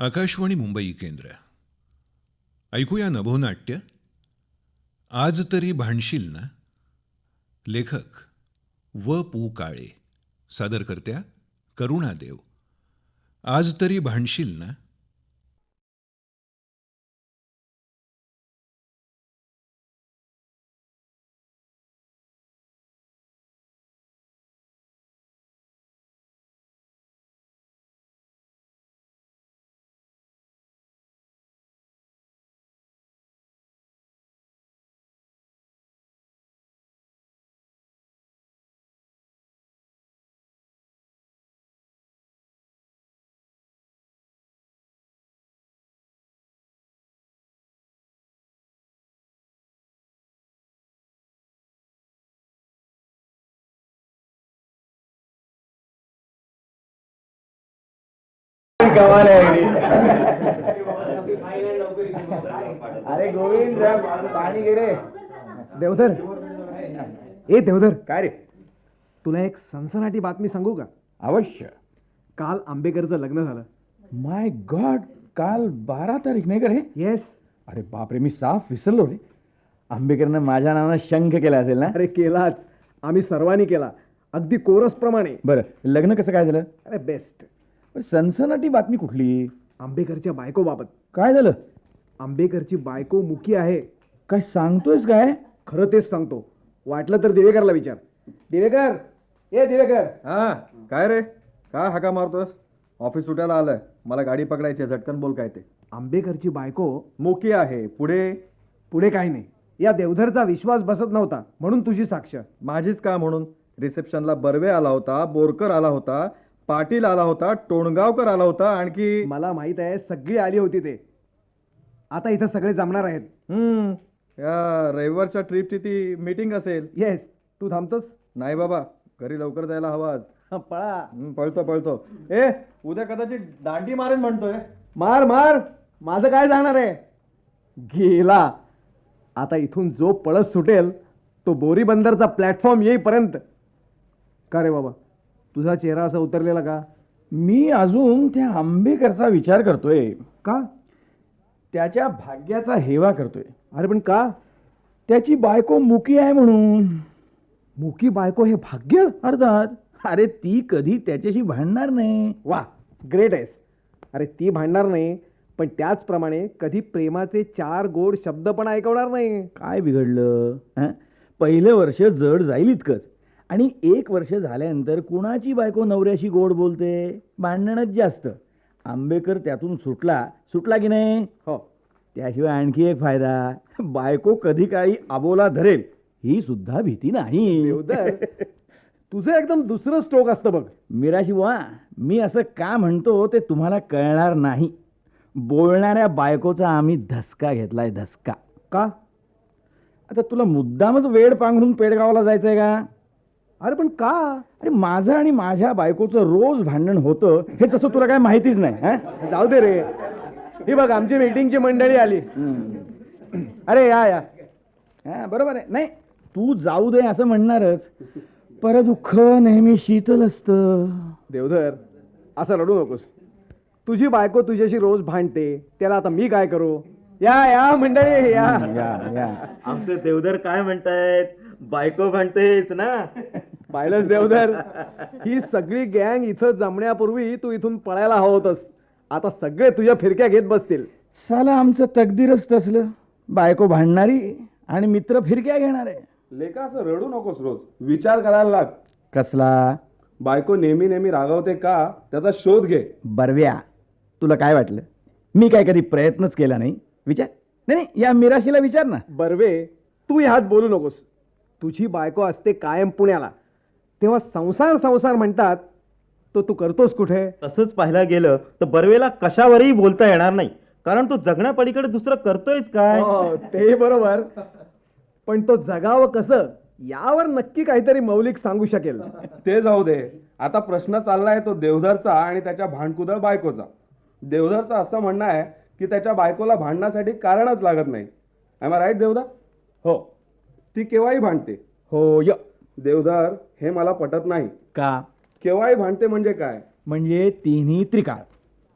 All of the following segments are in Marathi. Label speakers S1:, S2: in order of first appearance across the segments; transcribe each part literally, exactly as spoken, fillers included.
S1: आकाशवाणी मुंबई केंद्र. ऐकूया नभोनाट्य. आज तरी भांडशील ना. लेखक व पु काळे. सादरकर्त्या करुणा देव. आज तरी भांडशील ना.
S2: कमाल आहे अगदी. अरे गोविंद पाणी घे रे.
S3: देवधर, ए देवधर,
S2: काय रे?
S3: तुला एक सनसनाटी बातमी सांगू का?
S2: अवश्य.
S3: काल आंबेकरचं लग्न झालं.
S2: माय गॉड, काल बारा तारीख नाही का रे?
S3: येस.
S2: अरे बापरे, मी साफ विसरलो रे. आंबेकरनं माझ्या नावानं शंख केला असेल ना?
S3: अरे केलाच, आम्ही सर्वांनी केला, अगदी कोरस प्रमाणे.
S2: बरं, लग्न कसं काय झालं?
S3: अरे बेस्ट.
S2: सनसनाटी बातमी कुठली?
S3: आंबेकरच्या बायको बाबत.
S2: काय झालं?
S3: आंबेकरची बायको मुकी आहे.
S2: काय सांगतोयस काय?
S3: खरं तेच सांगतो. वाटलं तर दिवेकरला विचार. दिवेकर, ए दिवेकर.
S4: हा काय रे, काय हाका मारतोस? ऑफिस सुटायला आलंय, मला गाडी पकडायची, झटकन बोल काय ते.
S3: आंबेकरची बायको
S4: मोकी आहे. पुढे
S3: पुढे काही नाही. या देवधरचा विश्वास बसत नव्हता म्हणून तुझी साक्ष.
S4: माझीच का म्हणून? रिसेप्शनला बर्वे आला होता, बोरकर आला होता, पाटील आला होता, टोणगावकर आला होता, आणखी
S3: मला माहित आहे सगळी आली होती ते. आता इथं सगळे जमणार आहेत.
S4: हम्म या रविवारच्या ट्रिपची ती मीटिंग असेल.
S3: येस. तू थांबतोस?
S4: नाही बाबा, घरी लवकर जायला हवा आज.
S3: हं, पळा.
S4: हम्म, पळतो पळतो. ए उद्या कदाचित दांडी मारेन म्हणतोय.
S3: मार मार, माझं काय जाणार आहे? गेला. आता इथून जो पळत सुटेल तो बोरी बंदरचा प्लॅटफॉर्म येईपर्यंत. का रे बाबा, तुझा चेहरा असा उतरलेला का?
S2: मी अजून त्या आंबेकरचा विचार करतोय.
S3: का?
S2: त्याच्या भाग्याचा हेवा करतोय.
S3: अरे पण का?
S2: त्याची बायको मुकी आहे म्हणून.
S3: मुकी बायको हे भाग्य?
S2: अर्थात. अरे ती कधी त्याच्याशी भांडणार नाही.
S3: वा, ग्रेट आहेस. अरे ती भांडणार नाही, पण त्याचप्रमाणे कधी प्रेमाचे चार गोड शब्द पण ऐकवणार नाही.
S2: काय बिघडलं? हं? पहिलं वर्ष जड जाईल इतकंच, आणि एक वर्ष झाल्यानंतर कुणाची बायको नवऱ्याशी गोड बोलते? भांडणच जास्त. आंबेकर त्यातून सुटला सुटला की नाही?
S3: हो.
S2: त्याशिवाय आणखी एक फायदा, बायको कधी काळी आबोला धरेल ही सुद्धा भीती नाही.
S3: देवधर, तुझं एकदम दुसरं स्ट्रोक असतं बघ.
S2: मिराशी बुवा, मी असं का म्हणतो ते तुम्हाला कळणार नाही. बोलणाऱ्या बायकोचा आम्ही धसका घेतलाय, धसका.
S3: का?
S2: आता तुला मुद्दामच वेड पांघरून पेडगावला जायचंय का?
S3: अरे पण का?
S2: अरे माझं आणि माझ्या बायकोचं रोज भांडण होतं हे तसं तुला काय माहितीच नाही. हं?
S3: जाऊ दे रे. ही बघ, आमची मीटिंगची मंडळी आली.
S2: अरे या या. हा बरोबर आहे. नाही, तू जाऊ दे असं म्हणणारच. पर दुःख नेहमी शीतल असतं.
S3: देवधर, असं रडू नकोस. तुझी बायको तुझ्याशी रोज भांडते, त्याला आता मी काय करू? या या मंडळी या.
S2: या या.
S5: आमचे देवधर काय म्हणतायत? बायको म्हणतेच ना.
S3: पाहिलंच देवधर, ही सगळी गँग इथं जमण्यापूर्वी तू इथून पळायला हवं होतंस. आता सगळे तुझ्या फिरक्या घेत बसतील.
S2: साला आमचं तकदीरच तसलं. बायको भांडणारी आणि मित्र फिरक्या घेणारे.
S4: लेका असं रडू नकोस, रोज विचार करायला लाग.
S2: कसला?
S4: बायको नेहमी नेहमी रागावते का, त्याचा शोध घे.
S2: बरव्या, तुला काय वाटलं मी काय कधी प्रयत्नच केला नाही? विचार. नाही नाही, या मिराशीला विचार ना.
S3: बर्वे, तू ह्यात बोलू नकोस. तुझी बायको असते कायम पुण्याला, तेव्हा संसार संसार म्हणतात, तो तू करतोस कुठे?
S5: तसंच पाहायला गेलं तर बर्वेला कशावरही बोलता येणार नाही, कारण तो जगण्यापलीकडे दुसरं करतोयच काय.
S3: हो, ते बरोबर. पण तो जगावं कसं यावर नक्की काहीतरी मौलिक सांगू शकेल.
S4: ते जाऊ दे. आता प्रश्न चाललाय तो देवधरचा आणि त्याच्या भांडकुदळ बायकोचा. देवधरचं असं म्हणणं आहे की त्याच्या बायकोला भांडण्यासाठी कारणच लागत नाही. I right Deodhar?
S2: हो.
S4: ती केव्हाही भांडते.
S2: हो य.
S4: देवधर, हे मला पटत नाही.
S2: का?
S4: केव्हाही भांडते म्हणजे काय?
S2: म्हणजे तिन्ही त्रिकाळ.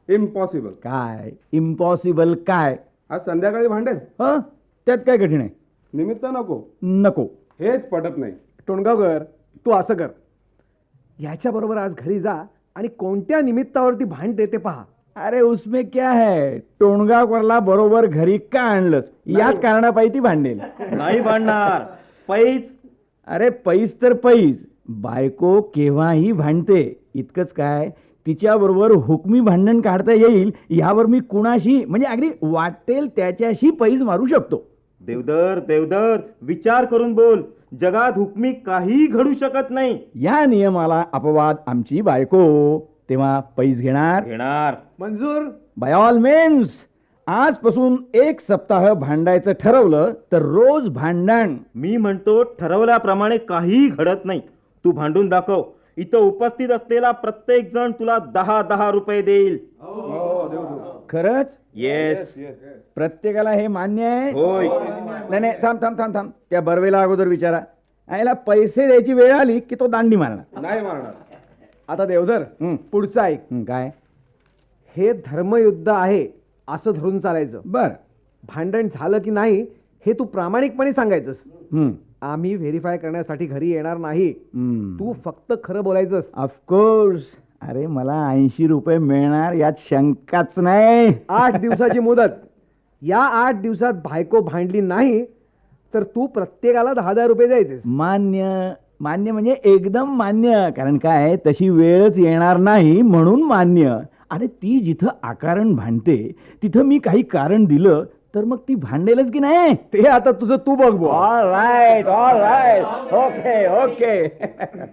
S4: इम्पॉसिबल.
S2: काय इम्पॉसिबल काय?
S4: आज संध्याकाळी भांडेल.
S2: हं त्यात काय कठीण आहे?
S4: निमित्त नको.
S2: नको.
S4: हेच पटत नाही.
S3: टोणगावकर तू असं कर, याच्याबरोबर आज घरी जा आणि कोणत्या निमित्तावरती भांडते ते पहा.
S2: अरे उसमें क्या है, टोणगावकरला बरोबर घरी का आणलंस याच कारणापायी ती भांडेल.
S5: नाही भांडणार. पैज.
S2: अरे पैस तर पैस, बायको केव्हाही भांडते. इतकंच काय, तिच्याबरोबर हुकमी भांडण काढता येईल यावर मी कुणाशी म्हणजे अगदी वाटेल त्याच्याशी पैस मारू शकतो.
S5: देवदर देवदर विचार करून बोल. जगात हुकमी काही घडू शकत नाही.
S2: या नियमाला अपवाद आमची बायको, तेव्हा पैस घेणार.
S5: घेणार.
S3: मंजूर.
S2: बाय ऑल मीन्स आजपासून एक सप्ताह भांडायचं ठरवलं तर रोज भांडण.
S5: मी म्हणतो ठरवल्याप्रमाणे काही घडत नाही. तू भांडून दाखव. इथं उपस्थित असलेला प्रत्येक जण तुला दहा दहा रुपये देईल.
S2: खरंच?
S5: येस.
S2: प्रत्येकाला हे मान्य आहे?
S5: होय.
S2: नाही नाही थांब थांब थांब थांब त्या बर्वेला अगोदर विचारा. याला पैसे द्यायची वेळ आली की तो दांडी मारणार.
S4: नाही मारणार.
S3: आता देवधर
S2: हं.
S3: पुढचं ऐक.
S2: हं, काय?
S3: हे धर्मयुद्ध आहे असं धरून चालायचं.
S2: बर.
S3: भांडण झालं की नाही हे तू प्रामाणिकपणे सांगायचंस.
S2: हं.
S3: आम्ही व्हेरीफाय करण्यासाठी घरी येणार नाही.
S2: हं.
S3: तू फक्त खरं बोलायचंस.
S2: ऑफकोर्स. अरे मला ऐंशी रुपये मिळणार यात शंकाच नाही.
S3: आठ दिवसाची मुदत. या आठ दिवसात बायको भांडली नाही तर तू प्रत्येकाला दहा दहा रुपये द्यायचेस.
S2: मान्य. मान्य म्हणजे एकदम मान्य. कारण काय, तशी वेळच येणार नाही म्हणून मान्य. अरे ती जिथं आकारण भांडते तिथं मी काही कारण दिलं तर मग ती भांडेलच की नाही?
S3: ते आता तुझं तू बघ बुवा.
S2: All right all right okay okay.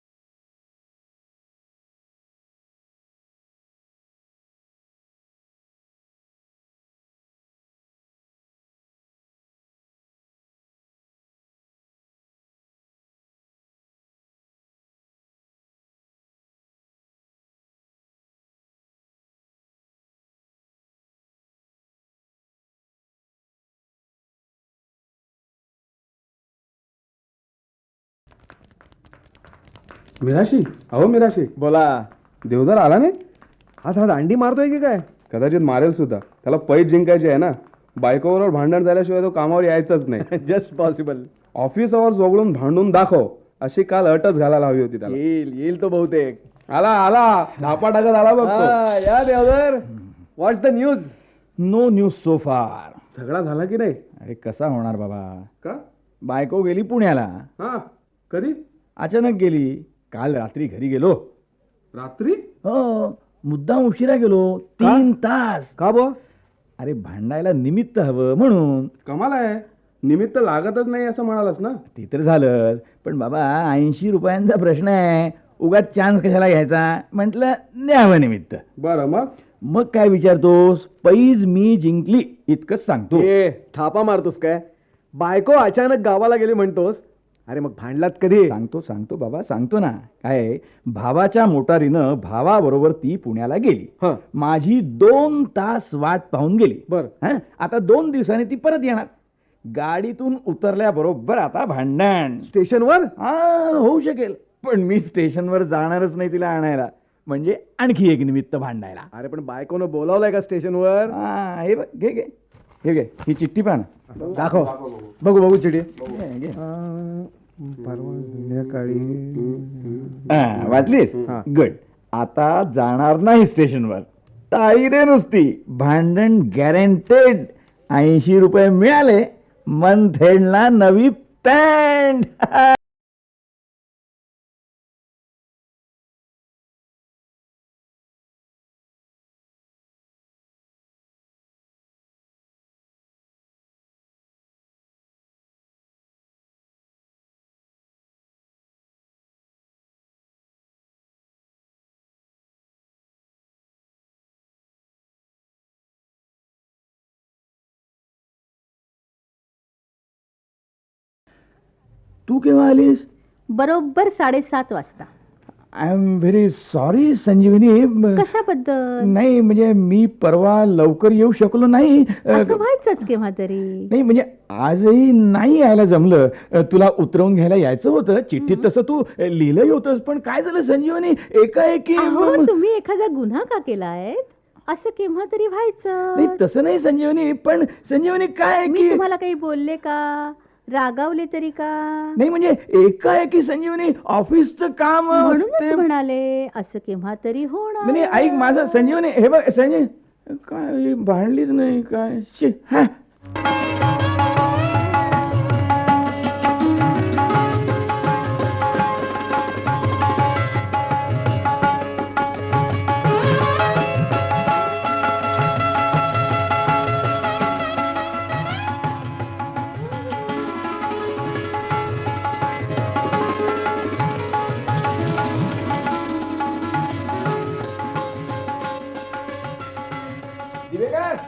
S4: Mirashi. अहो मिराशी.
S2: बोला.
S4: देवदार आला नाही.
S3: आज हा दांडी मारतोय की काय?
S4: कदाचित मारेल सुद्धा. त्याला पैज जिंकायची आहे ना. बायकोबरोबर भांडण झाल्याशिवाय तो कामावर यायचाच नाही.
S3: Just possible.
S4: ऑफिस आवर्स वगळून भांडून दाखव अशी काल अटच घालायला हवी होती त्याला.
S3: येईल येईल तो बहुतेक.
S4: आला आला. धापा टाकत आला बघतो.
S3: हा, या Deodhar. What's the news?
S2: No news so far.
S4: झगडा झाला की नाही?
S2: अरे कसा होणार बाबा.
S4: का?
S2: बायको गेली पुण्याला.
S4: हा. कधी?
S2: अचानक गेली. काल रात्री घरी गेलो.
S4: रात्री?
S2: हो. मुद्दाम उशिरा गेलो. तीन तास.
S3: का बो?
S2: अरे भांडायला निमित्त हवं म्हणून.
S4: कमाल आहे. निमित्त लागतच नाही असं म्हणालस ना.
S2: ते तर झालं, पण बाबा ऐंशी रुपयांचा प्रश्न आहे. उगाच चान्स कशाला घ्यायचा. म्हटलं न्यावं निमित्त.
S4: बरं मग?
S2: मग काय विचारतोस. पैज मी जिंकली इतकंच सांगतो.
S3: ए थापा मारतोस काय? बायको अचानक गावाला गेली म्हणतोस. अरे मग भांडलात कधी?
S2: सांगतो सांगतो बाबा सांगतो ना. काय, भावाच्या मोटारीनं भावाबरोबर ती पुण्याला गेली.
S3: हं.
S2: माझी दोन तास वाट पाहून गेली.
S3: बर.
S2: हं? आता दोन दिवसांनी ती परत येणार. गाडीतून उतरल्याबरोबर आता भांडण.
S3: स्टेशनवर?
S2: हा होऊ शकेल, पण मी स्टेशनवर जाणारच नाही तिला आणायला. म्हणजे आणखी एक निमित्त भांडायला.
S3: अरे पण बायकोनं बोलावलंय का स्टेशनवर?
S2: हा हे बघ घे घे हे घे ही चिठ्ठी पाहा ना.
S3: दाखव. बघू बघू चिठी.
S2: घे, घे.
S3: परवा संध्याकाळी.
S2: हा, वाचलीस?
S3: हा.
S2: गुड. आता जाणार नाही स्टेशनवर. टाळी रे नुसती. भांडण गॅरंटेड. ऐंशी रुपये मिळाले. मंथ एंडला नवी पॅन्ट. तू केव्हा आलीस?
S6: बरोबर साडेसात वाजता.
S2: I am very sorry Sanjivani.
S6: कशाबद्दल?
S2: नाही म्हणजे मी परवा लवकर येऊ शकलो नाही. अ,
S6: असं व्हायचंच केव्हा तरी.
S2: नाही म्हणजे आजही नाही यायला जमलं. अ, तुला उतरवून घ्यायला यायचं होतं. चिठ्ठीत तसं तू लिहिलंही होतंस, पण काय झालं संजीवनी एकाएकी.
S6: अहो तुम्ही एखादा गुन्हा का केलाय? असं केव्हा तरी
S2: नाही
S6: व्हायचं.
S2: तसं नाही संजीवनी, पण संजीवनी काय आहे
S6: मी
S2: की
S6: तुम्हाला काही बोलले का, रागावले तरी का?
S2: नाही म्हणजे एकाएकी संजीवनी ऑफिसचं काम अ,
S6: म्हणूनच
S2: ते-
S6: म्हणाले असं केव्हा तरी होणार.
S2: म्हणजे ऐक माझं संजीवनी, हे बघ संजय, काय ही भांडलीच नाही काय शी, हा. दिवेकर,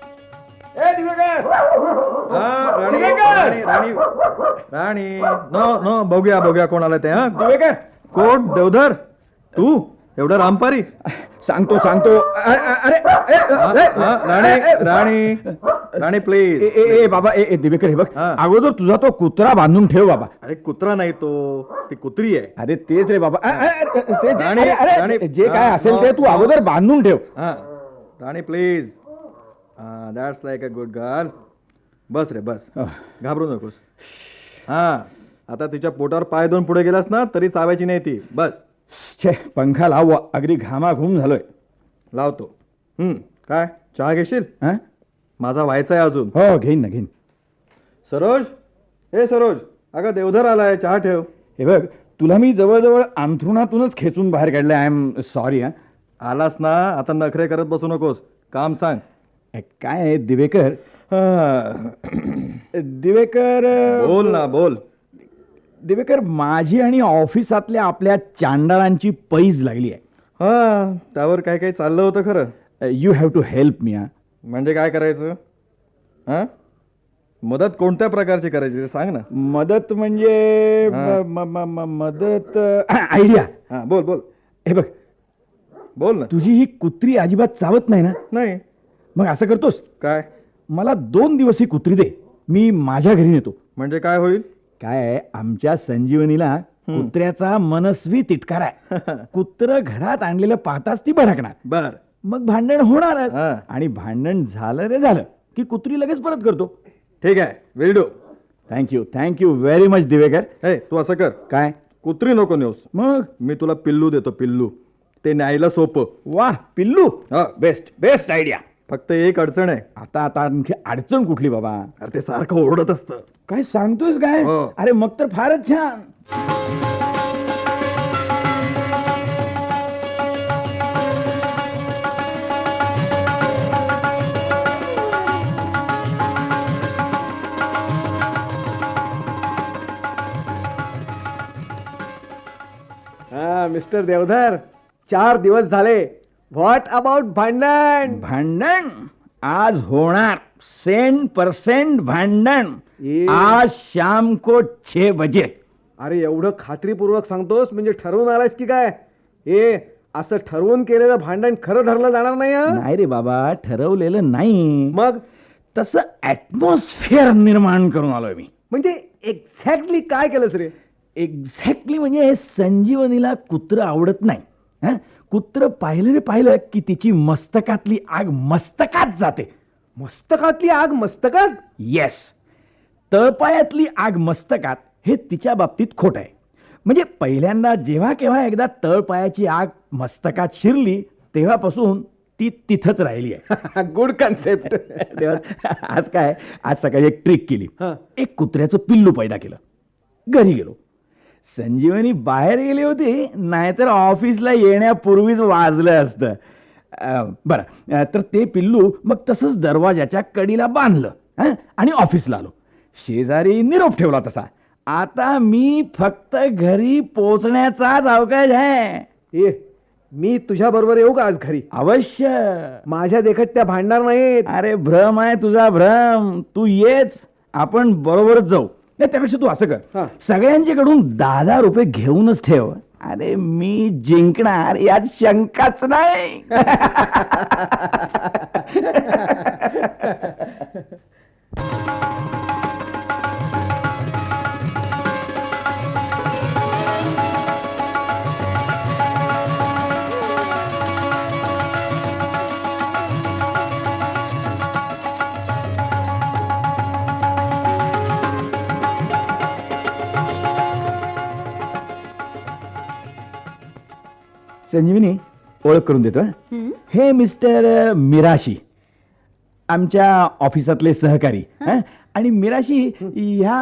S2: ए दिवेकर,
S7: राणी
S2: दिवेकर!
S7: राणी राणी राणी नो नो बघूया बघूया कोण आलं ते हा
S2: दिवेकर,
S7: कोण देवधर तू एवढं रामपारी
S2: सांगतो सांगतो अ- अ- अरे ए,
S7: हा,
S2: ए,
S7: हा,
S2: ए,
S7: राणी
S2: ए, ए,
S7: राणी राणी
S2: ए,
S7: प्लीज
S2: ए, ए, बाबा ए, ए, दिवेकर हे बघ,
S7: हा.
S2: अगोदर तुझा तो कुत्रा बांधून ठेव बाबा.
S7: अरे कुत्रा नाही तो ती कुत्री आहे
S2: अरे तेच रे बाबा, अ, अ, अ, ते जे-
S7: राणी,
S2: अरे,
S7: राणी,
S2: अरे, जे काय
S7: हा,
S2: असेल
S7: no,
S2: ते तू
S7: no.
S2: अगोदर बांधून ठेव.
S7: हा Rani please that's like a good girl. बस रे बस
S2: अह.
S7: घाबरू नकोस. हा आता तिच्या पोटावर पाय दोन पुढे गेलास ना तरी चावायची नाही ती. बस
S2: छे पंखा लाव, अगदी घामाघूम झालोय.
S7: लावतो. हम्म काय चहा घेशील?
S2: हा?
S7: माझा व्हायचा आहे अजून.
S2: हो घेईन ना घेईन.
S7: सरोज, ए सरोज, अगं देवधर आलाय, चहा ठेव.
S2: हे बघ तुला मी जवळजवळ अंथरुणातूनच खेचून बाहेर काढलं. I am sorry. हा
S7: आलास ना आता नखरे करत बसू नकोस, काम सांग.
S2: ए, काय आहे, दिवेकर
S7: हा.
S2: दिवेकर
S7: बोल ना बोल.
S2: दिवेकर माझी आणि ऑफिसातल्या आपल्या चांडाळांची पैज लागली आहे.
S7: हा त्यावर काय काय चाललं होतं खरं.
S2: You have to help me. हा
S7: म्हणजे काय करायचं? हा मदत कोणत्या प्रकारची करायची ते सांग ना.
S2: मदत म्हणजे
S7: हा.
S2: म- म- म- मदत आयडिया.
S7: हा बोल बोल
S2: हे बघ
S7: बोल ना.
S2: तुझी ही कुत्री अजिबात चावत नाही ना,
S7: नाही
S2: मग असं करतोस,
S7: काय
S2: मला दोन दिवस ही कुत्री दे, मी माझ्या घरी नेतो.
S7: म्हणजे काय होईल?
S2: काय आहे, आमच्या संजीवनीला कुत्र्याचा मनस्वी तिटकार आहे. कुत्र घरात आणलेलं पाहताच ती भडकणार,
S7: बर
S2: मग भांडण होणारच.
S7: हा.
S2: आणि भांडण झालं रे झालं की कुत्री लगेच परत करतो.
S7: ठीक आहे, will do.
S2: Thank you thank you very much Divekar.
S7: ए तू असं कर,
S2: काय
S7: कुत्री नको नेऊस,
S2: मग?
S7: मी तुला पिल्लू देतो. पिल्लू ते न्यायला सोपं.
S2: वाह पिल्लू,
S7: हा.
S2: Best best idea.
S7: फक्त एक अडचण आहे.
S2: आता आता आणखी अडचण कुठली बाबा?
S7: अरे ते सारखं ओरडत असतं.
S2: काय सांगतोयस काय?
S7: हो.
S2: अरे मग तर फारच छान.
S3: हा मिस्टर देवधर, चार दिवस झाले. व्हॉट अबाउट भांडण?
S2: भांडण आज होणार, सेंट पर्सेंट भांडण.
S3: ये.
S2: आज शाम को छह बजे.
S3: अरे एवढं खात्रीपूर्वक सांगतोस म्हणजे ठरवून आलायस की काय? ए असं ठरवून केलेलं भांडण खरं धरलं जाणार नाही हं?
S2: नाही रे बाबा, ठरवलेलं नाही,
S3: मग
S2: तसं ऍटमॉस्फिअर निर्माण करून आलोय मी.
S3: म्हणजे एक्झॅक्टली काय केलंस रे?
S2: एक्झॅक्टली म्हणजे संजीवनीला कुत्र आवडत नाही. हं? कुत्र पाहिलं रे पाहिलं की तिची मस्तकातली आग मस्तकात जाते.
S3: मस्तकातली आग मस्तकात?
S2: येस, तळपायातली आग मस्तकात हे तिच्या बाबतीत खोट आहे. म्हणजे पहिल्यांदा जेव्हा केव्हा एकदा तळपायाची आग मस्तकात शिरली तेव्हापासून ती तिथंच राहिली आहे.
S3: Good concept.
S2: तेव्हा आज काय, आज सकाळी एक ट्रिक केली.
S3: हा.
S2: एक कुत्र्याचं पिल्लू पैदा केलं. घरी गेलो, संजीवनी बाहेर गेली होती, नाहीतर ऑफिसला येण्यापूर्वीच वाजलं असतं. अं, बरं अं, तर ते पिल्लू मग तसंच दरवाजाच्या कडीला बांधलं हं? आणि ऑफिसला आलो. शेजारी निरोप ठेवला तसा. आता मी फक्त घरी पोचण्याचाच अवकाश आहे.
S3: ए मी तुझ्या बरोबर येऊ का आज घरी?
S2: अवश्य.
S3: माझ्या देखत त्या भांडणार नाहीत.
S2: अरे भ्रम आहे तुझा भ्रम. तू येच, आपण बरोबरच जाऊ. नाही त्यापेक्षा तू असं
S3: हा.
S2: कर, सगळ्यांच्याकडून दहा दहा रुपये घेऊनच ठेव. अरे मी जिंकणार यात शंकाच नाही. संजीवनी, ओळख करून देतो हं.
S6: हं?
S2: हे मिस्टर अ, मिराशी, आमच्या ऑफिसातले सहकारी हं? आणि मिराशी ह्या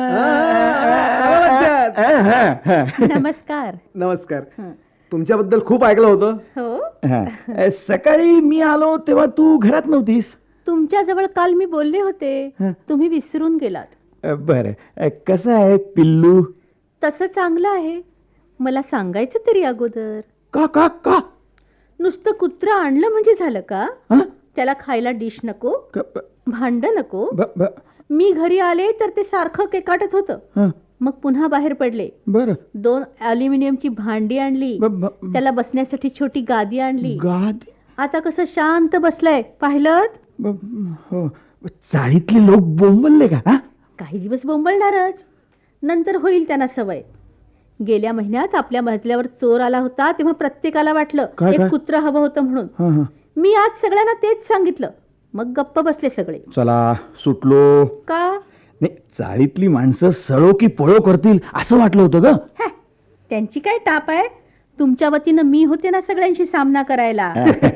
S3: आलं लक्षात.
S2: हं, हं, हं.
S6: नमस्कार.
S3: नमस्कार.
S6: हं.
S3: तुमच्याबद्दल खूप ऐकलं होतं.
S6: हो,
S2: हं. अ, सकाळी मी आलो तेव्हा तू घरात नव्हतीस.
S6: तुमच्याजवळ काल मी बोलले होते,
S2: हं.
S6: तुम्ही विसरून गेलात.
S2: अ, बरं, अ, कसं आहे पिल्लू?
S6: तसं चांगलं आहे. मला सांगायचं तरी अगोदर.
S2: का का का
S6: नुसतं कुत्रं आणलं म्हणजे झालं का?
S2: हं?
S6: त्याला खायला डिश नको,
S2: क- ब-
S6: भांड नको.
S2: ब- ब-
S6: मी घरी आले तर ते सारखं केकाटत होतं.
S2: हं.
S6: मग पुन्हा बाहेर पडले.
S2: बरं.
S6: दोन अल्युमिनियमची भांडी आणली,
S2: ब- ब-
S6: त्याला बसण्यासाठी छोटी गादी आणली.
S2: गाद
S6: आता कसं शांत बसलंय, पाहिलं?
S2: ब- हो. चाळीतले लोक बोंबलले का हा?
S6: काही दिवस बोंबलणारच, नंतर होईल त्यांना सवय. गेल्या महिन्यात आपल्या मजल्यावर चोर आला होता, तेव्हा प्रत्येकाला वाटलं
S2: काय, काय?
S6: एक कुत्रं हवं होतं म्हणून.
S2: हं, हं.
S6: मी आज सगळ्यांना तेच सांगितलं. मग गप्प बसले सगळे.
S2: चला सुटलो.
S6: का?
S2: नाही, चाळीतली माणसं सळो की पळो करतील असं वाटलं होतं ग.
S6: हॅ, त्यांची काय टाप आहे? तुमच्या वतीनं मी होते ना सगळ्यांशी सामना करायला.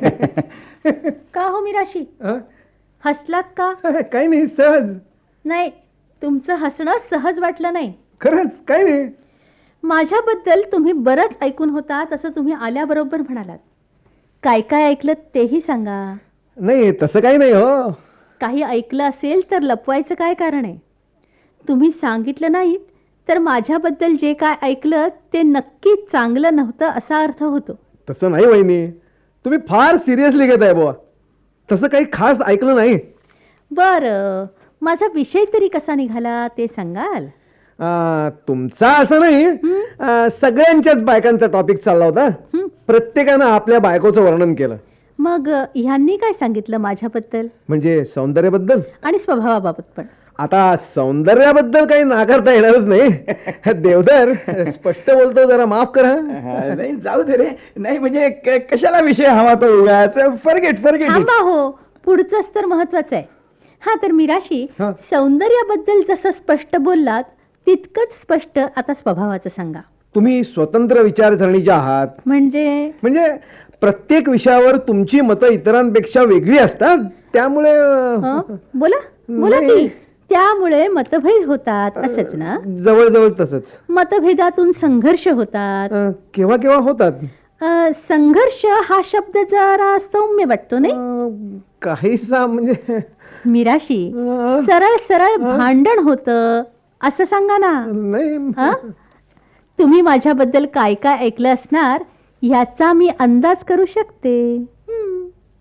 S6: का हो मिराशी,
S3: हं?
S6: हसलात का?
S3: काही नाही, सहज.
S6: नाही, तुमचं हसणं सहज वाटलं नाही.
S3: खरंच काही नाही.
S6: माझ्याबद्दल तुम्ही बरंच ऐकून होता, तसं तुम्ही आल्याबरोबर म्हणालात. काय काय ऐकलं तेही सांगा.
S3: नाही, तसं काही नाही हो.
S6: काही ऐकलं असेल तर लपवायचं काय कारण आहे? तुम्ही सांगितलं नाहीत तर माझ्याबद्दल जे काय ऐकलं ते नक्कीच चांगलं नव्हतं असा अर्थ होतो.
S3: तसं नाही वहिनी, तुम्ही फार सिरियसली घेत आहे बुवा. तसं काही खास ऐकलं नाही.
S6: बरं, माझा विषय तरी कसा निघाला ते सांगाल?
S3: आ, तुमचा असं नाही, आ, सगळ्यांच्याच बायकांचा टॉपिक चालला होता. प्रत्येकानं आपल्या बायकोचं वर्णन केलं.
S6: मग अ, ह्यांनी काय सांगितलं माझ्याबद्दल
S3: म्हणजे सौंदर्याबद्दल.
S6: आणि स्वभावाबाबत पण?
S3: आता सौंदर्याबद्दल काही नाकारता येणारच नाही. देवधर स्पष्ट बोलतो, जरा माफ करा.
S2: हा, नाही जाऊ दे रे. नाही म्हणजे क- कशाला विषय हवा तो उगाच. फरगेट फरगेट
S6: थांबा हो, पुढचंच तर महत्वाचं आहे. हा तर मिराशी,
S3: हा.
S6: सौंदर्याबद्दल जसं स्पष्ट बोललात तितकंच स्पष्ट आता स्वभावाचं सांगा.
S3: तुम्ही स्वतंत्र विचारसरणीचे आहात.
S6: म्हणजे
S3: म्हणजे प्रत्येक विषयावर तुमची मतं इतरांपेक्षा वेगळी असतात. त्यामुळे
S6: हं? बोला बोला
S3: नाही.
S6: की. त्यामुळे मतभेद होतात असंच ना?
S3: जवळजवळ तसंच.
S6: मतभेदातून संघर्ष होतात.
S3: अ, केव्हा केव्हा होतात.
S6: अ, संघर्ष हा शब्द जरा सौम्य वाटतो नाही?
S3: अ, काहीसा म्हणजे
S6: मिराशी,
S3: अ.
S6: सरळ सरळ भांडण होतं असं सांगा ना.
S3: नाही.
S6: हं? तुम्ही माझ्याबद्दल काय काय ऐकलं असणार ह्याचा मी अंदाज करू शकते. हं.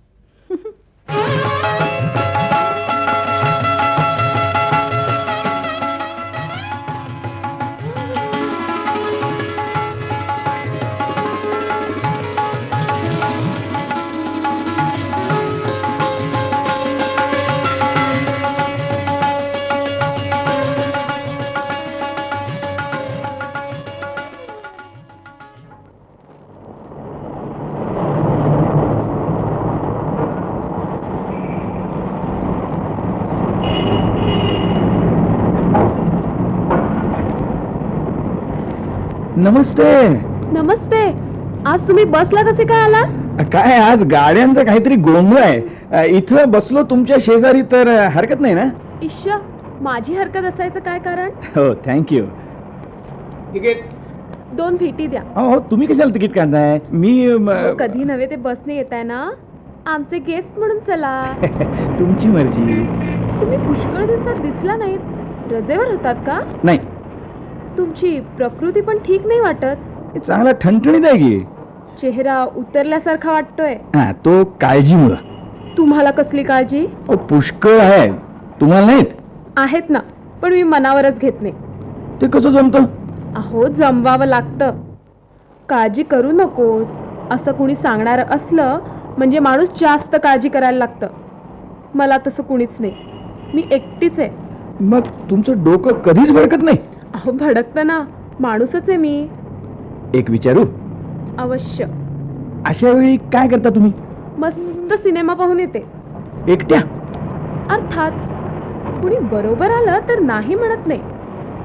S2: नमस्ते.
S8: नमस्ते. आज तुम्ही बसला कसे काय आला?
S2: काय आज गाड्यांचा काहीतरी गोंधळ आहे. अ, इथं बसलो तुमच्या शेजारी तर अ, हरकत नाही ना?
S8: इश्य, माझी हरकत असायचं काय कारण?
S2: हो थँक्यू.
S3: तिकीट.
S8: दोन भेटी द्या.
S2: हो हो, तुम्ही कशाला तिकीट काढताय? मी म,
S8: कधी नव्हे ते बसने येताय ना, आमचे गेस्ट म्हणून चला.
S2: तुमची मर्जी.
S8: तुम्ही पुष्कळ दिवसात दिसला नाहीत. रजेवर होतात का?
S2: नाही,
S8: तुमची प्रकृती पण ठीक नाही वाटत.
S2: हे चांगला ठणठणीत आहे की.
S8: चेहरा उतरल्यासारखा वाटतोय.
S2: हा, तो काळजीमुळं.
S8: तुम्हाला कसली काळजी?
S2: हो पुष्कळ आहे. तुम्हाला नाहीत?
S8: आहेत ना, पण मी मनावरच घेत नाही.
S2: ते कसं जमतं?
S8: अहो, जमवावं लागतं. काळजी करू नकोस असं कुणी सांगणारं असलं म्हणजे माणूस जास्त काळजी करायला लागतं. मला तसं कुणीच नाही. मी एकटीच आहे.
S2: मग तुमचं डोकं कधीच भडकत नाही?
S8: अहो, भडकतं ना, माणूसच आहे मी.
S2: एक विचारू?
S8: अवश्य.
S2: अशा वेळी काय करता तुम्ही?
S8: मस्त सिनेमा पाहून येते.
S2: एकट्या?
S8: अर्थात कुणी बरोबर आलं तर नाही म्हणत नाही.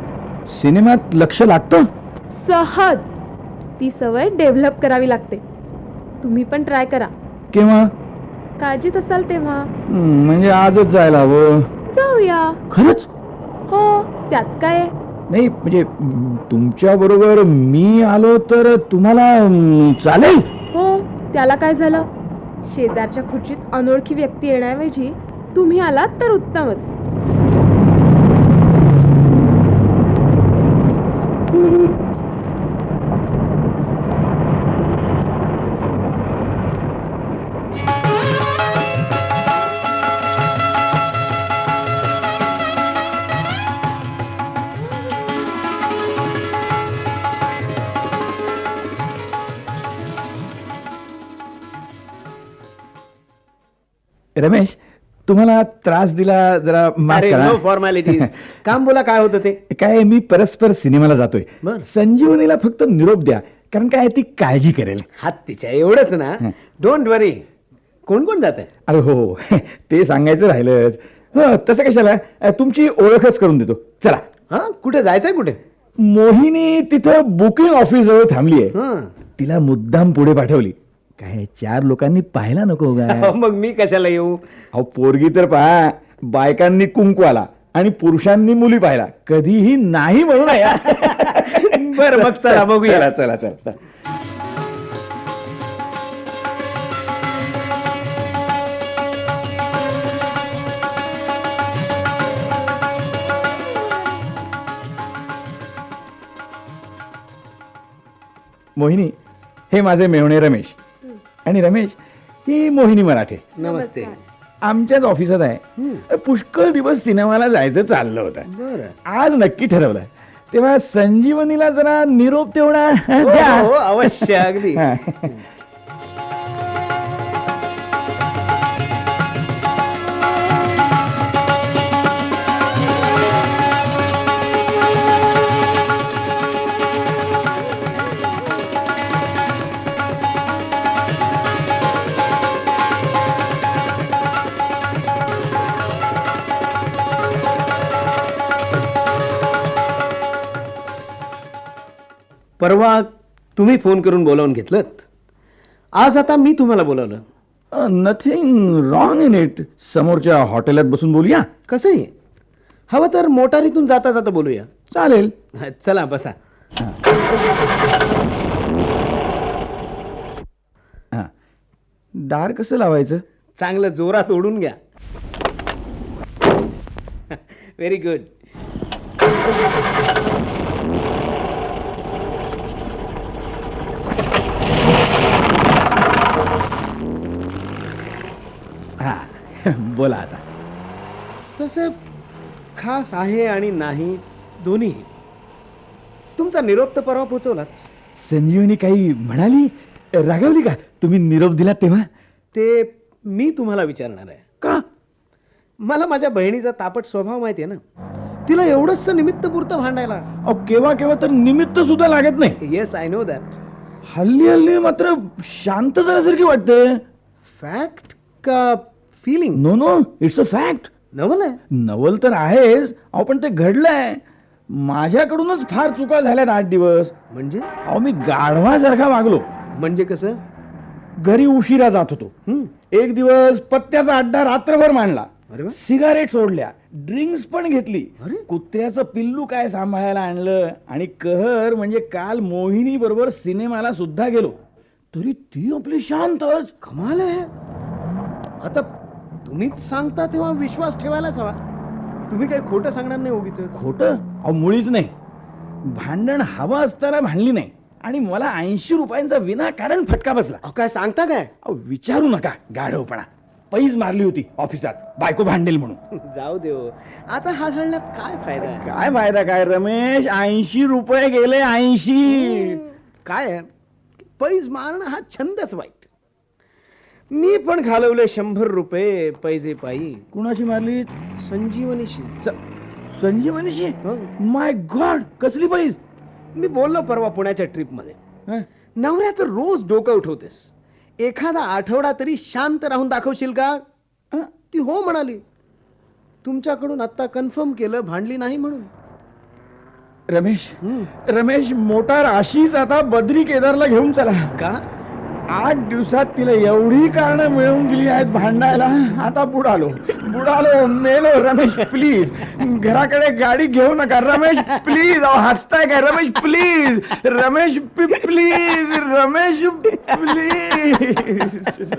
S2: सिनेमात लक्ष लागतं?
S8: सहज. ती सवय डेव्हलप करावी लागते. तुम्ही पण ट्राय करा.
S2: केव्हा?
S8: काळजीत असाल तेव्हा.
S2: हं, म्हणजे आजच जायला हवं.
S8: जाऊया.
S2: खरंच?
S8: हो, त्यात काय आहे?
S2: नाही म्हणजे तुमच्या बरोबर मी आलो तर तुम्हाला अं, चालेल?
S8: हो, त्याला काय झालं? शेजारच्या खुर्चीत अनोळखी व्यक्ती येण्याऐवजी तुम्ही आलात तर उत्तमच.
S2: रमेश, तुम्हाला त्रास दिला जरा माफ
S3: अरे
S2: करा.
S3: No formalities. काम बोला, काय होतं ते?
S2: काय मी परस्पर सिनेमाला जातोय.
S3: बर.
S2: संजीवनीला फक्त निरोप द्या, कारण काय ती काळजी करेल.
S3: हात तिच्या एवढंच ना. Don't worry. कोण कोण जात आहे?
S2: अरे हो हो, ते सांगायचं राहिलंच. हं, तसं कशाला, तुमची ओळखच करून देतो. चला.
S3: हा, कुठे जायचंय? कुठे?
S2: मोहिनी तिथं बुकिंग ऑफिस जवळ थांबली आहे.
S3: हं.
S2: तिला मुद्दाम पुढे पाठवली. काय चार लोकांनी पाहायला नको का?
S3: अहो, मग मी कशाला येऊ?
S2: अहो पोरगी तर पहा, बायकांनी कुंकू आला आणि पुरुषांनी मुली पाहिला, कधीही नाही म्हणून
S3: बरं, मग चला बघूया.
S2: चला चला चला. मोहिनी, हे माझे मेहुणे रमेश. आणि रमेश, ही मोहिनी मराठे.
S3: नमस्ते.
S2: आमच्याच ऑफिसात आहे. पुष्कळ दिवस सिनेमाला जायचं चाललं होतं.
S3: बरं.
S2: आज नक्की ठरवलं. तेव्हा संजीवनीला जरा निरोप तेवढा
S3: हो,
S2: द्या.
S3: हो, अवश्य, अगदी.
S2: हा.
S3: परवा तुम्ही फोन करून बोलावून घेतलं. आज आता मी तुम्हाला बोलावलं.
S2: Nothing wrong in it. समोरच्या हॉटेलात बसून बोलूया.
S3: कसंही हवं तर मोटारीतून जाता जाता बोलूया.
S2: चालेल.
S3: चला बसा.
S2: हा. दार कसं लावायचं?
S3: चांगलं जोरात ओढून घ्या. Very good.
S2: हा. बोला आता.
S3: तसं खास आहे आणि नाही दोन्ही. तुमचा निरोप तर परवा पोचवलाच.
S2: संजीवनी काही म्हणाली? रागावली का तुम्ही निरोप दिला तेव्हा?
S3: ते मी तुम्हाला विचारणार आहे.
S2: का?
S3: मला माझ्या बहिणीचा तापट स्वभाव माहिती आहे ना. तिला एवढंच निमित्त पुरतं भांडायला.
S2: अहो केव्हा केव्हा तर निमित्त सुद्धा लागत नाही.
S3: Yes, I know that.
S2: हल्ली हल्ली मात्र शांत झाल्यासारखी वाटते.
S3: फॅक्ट का feeling?
S2: No no, it's a fact.
S3: नवल आहे.
S2: नवल तर आहेच. अहो पण ते घडलंय. माझ्याकडूनच फार चुका झाल्यात आठ दिवस.
S3: म्हणजे?
S2: अहो मी गाढवासारखा वागलो.
S3: म्हणजे कसं?
S2: घरी उशिरा जात होतो.
S3: हं.
S2: एक दिवस पत्त्याचा अड्डा रात्रभर मांडला.
S3: अरे वा.
S2: सिगारेट सोडल्या, ड्रिंक्स पण घेतली.
S3: अरे.
S2: कुत्र्याचं पिल्लू काय सांभाळायला आणलं. आणि कहर म्हणजे काल मोहिनी बरोबर सिनेमाला सुद्धा गेलो, तरी ती आपली शांतच.
S3: कमाल आहे. आता तुम्हीच सांगता तेव्हा विश्वास ठेवायलाच हवा. तुम्ही काही खोटं सांगणार नाही उगीच.
S2: खोटं? अहो मुळीच नाही. भांडण हवं असताना भांडली नाही. आणि मला ऐंशी रुपयांचा विनाकारण फटका बसला.
S3: अहो, काय सांगता काय?
S2: अहो विचारू नका गाढवपणा. पैज मारली होती ऑफिसात, बायको भांडेल म्हणून.
S3: जाऊ देव. आता हा घालण्यात काय फायदा आहे?
S2: काय फायदा काय रमेश? ऐंशी रुपये गेले. ऐंशी.
S3: काय आहे? पैज मारणं हा छंदच वाईट. मी पण घालवले शंभर रुपये पैजे पायी.
S2: कुणाशी मारली?
S3: संजीवनीशी.
S2: स- संजीवनीशी?
S3: हं.
S2: माय गॉड, कसली पैज?
S3: मी बोललो परवा पुण्याच्या ट्रिपमध्ये.
S2: हं?
S3: नवऱ्याचं रोज डोकं उठवतेस, एखादा आठवडा तरी शांत राहून दाखवशील का?
S2: हं?
S3: ती हो म्हणाली. तुमच्याकडून आता कन्फर्म केलं भांडली नाही म्हणून.
S2: रमेश,
S3: हं.
S2: रमेश मोटार अशीच आता बद्री केदारला घेऊन चला.
S3: का?
S2: आठ दिवसात तिला एवढी कारणं मिळवून दिली आहेत भांडायला. आता बुडालो बुडालो मेलो. रमेश प्लीज घराकडे गाडी घेऊ नका. रमेश प्लीज. अहो हसताय काय? Ramesh please. Ramesh please. Ramesh please.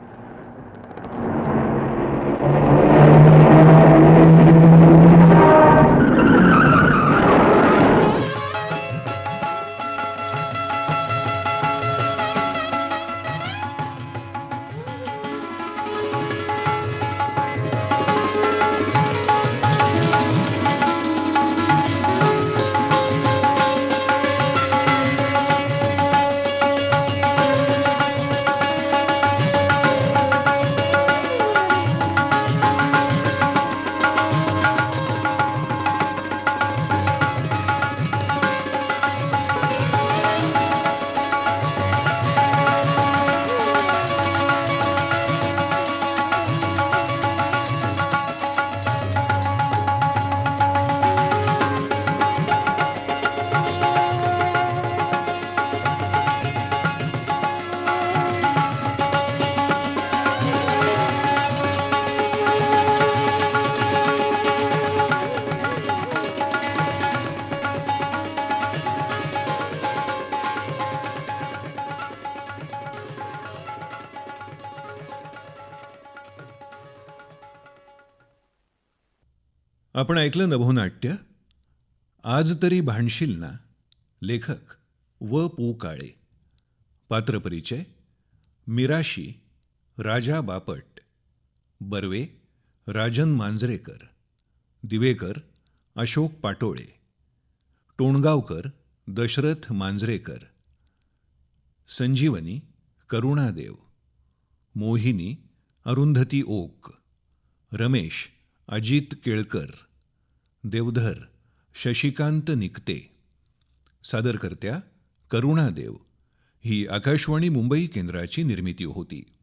S1: आपण ऐकलं नभोनाट्य आज तरी भांडशील ना. लेखक व पु काळे. पात्रपरिचय मिराशी राजा बापट, बर्वे राजन मांजरेकर, दिवेकर अशोक पाटोळे, टोणगावकर दशरथ मांजरेकर, संजीवनी करुणादेव, मोहिनी अरुंधती ओक, रमेश अजित केळकर, देवधर शशिकांत निकते. सादरकर्त्या करुणादेव. ही आकाशवाणी मुंबई केंद्राची निर्मिती होती.